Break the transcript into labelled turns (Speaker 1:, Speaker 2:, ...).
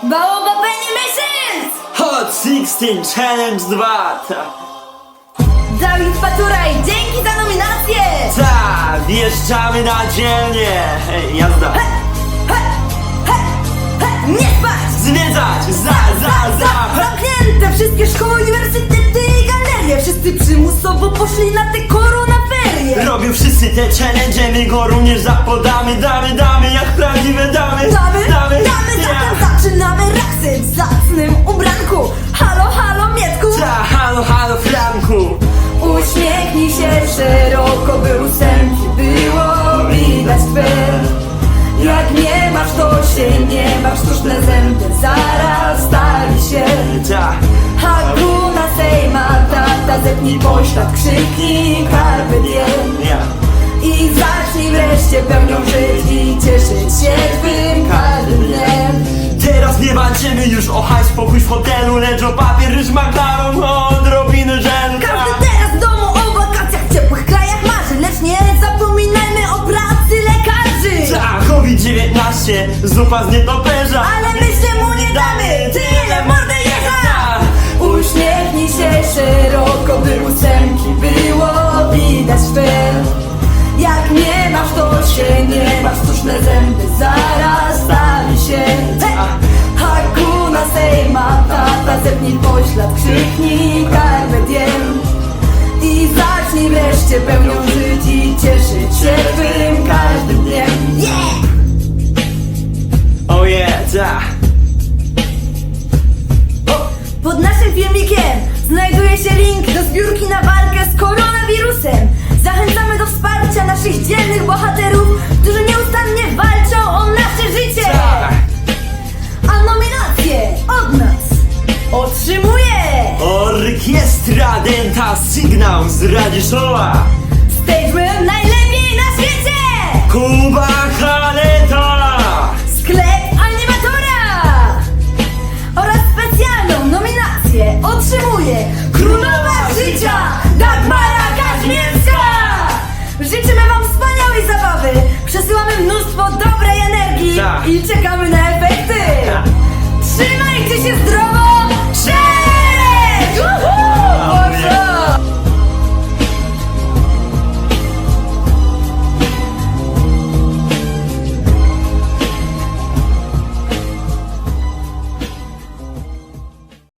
Speaker 1: Baobab Animations!
Speaker 2: Hot 16 Challenge 2.
Speaker 1: Dawid Paturaj, dzięki za nominację!
Speaker 2: Ta, wjeżdżamy na dzielnię. Hej, jazda.
Speaker 1: Nie spać!
Speaker 2: Zwiedzać,
Speaker 1: Zamknięte wszystkie szkoły, uniwersytety i galerie. Wszyscy przymusowo poszli na te koronaferie.
Speaker 2: Robią wszyscy te challenge, my go również zapodamy. Damy, jak prawdziwe damy.
Speaker 1: Damy, zatem zaczynamy raksy w zacnym ubranku. Halo, halo, Mietku!
Speaker 2: Ta, halo, Franku.
Speaker 1: Uśmiechnij się szeroko, by ósemki było widać twe. Jak nie masz, to się nie masz, sztuczne zęby zaraz stali się.
Speaker 2: Ta,
Speaker 1: Hakuna Sejma, tata, zepnij poślad, krzyknij carpe diem.
Speaker 2: ja.
Speaker 1: I zacznij wreszcie pełnią żyć i cieszyć się twym każdym dniem.
Speaker 2: Teraz nie walczymy już o hajs, pokój w hotelu, lecz o papier, ryż, makaron, o odrobiny żelka.
Speaker 1: Każdy teraz w domu o wakacjach w ciepłych krajach marzy, lecz nie zapominajmy o pracy lekarzy.
Speaker 2: Ta, COVID-19, zupa z nietoperza.
Speaker 1: Ale my się mu nie damy, tyle mordę jeża! Uśmiechnij się szeroko, by ósemki było widać twe. Jak nie masz, to się nie masz, sztuczne zęby zaraz stali się. Hakuna Sejma, tata, zepnij poślad, krzyknij carpe diem. I zacznij wreszcie pełnią żyć i cieszyć się twym każdym dniem. Yeah!
Speaker 2: Oh yeah, ta.
Speaker 1: Pod naszym filmikiem znajduje się link do zbiórki na walkę z koronawirusem. Zachęcamy do wsparcia naszych dzielnych bohaterów, którzy nieustannie walczą o nasze życie. A nominacje od nas otrzymuje
Speaker 2: Orkiestra Denta Sygnał z Radziszowa.
Speaker 1: Stageman najlepiej na świecie!
Speaker 2: Kuba Haleta.
Speaker 1: Sklep animatora! Oraz specjalną nominację otrzymuje Królowa Życia Dagmara Kaźmierska! Życzymy wam wspaniałej zabawy! Przesyłamy mnóstwo dobrej energii
Speaker 2: Tak.
Speaker 1: i czekamy na efekty!
Speaker 2: Tak.
Speaker 1: Trzymajcie się zdrowo!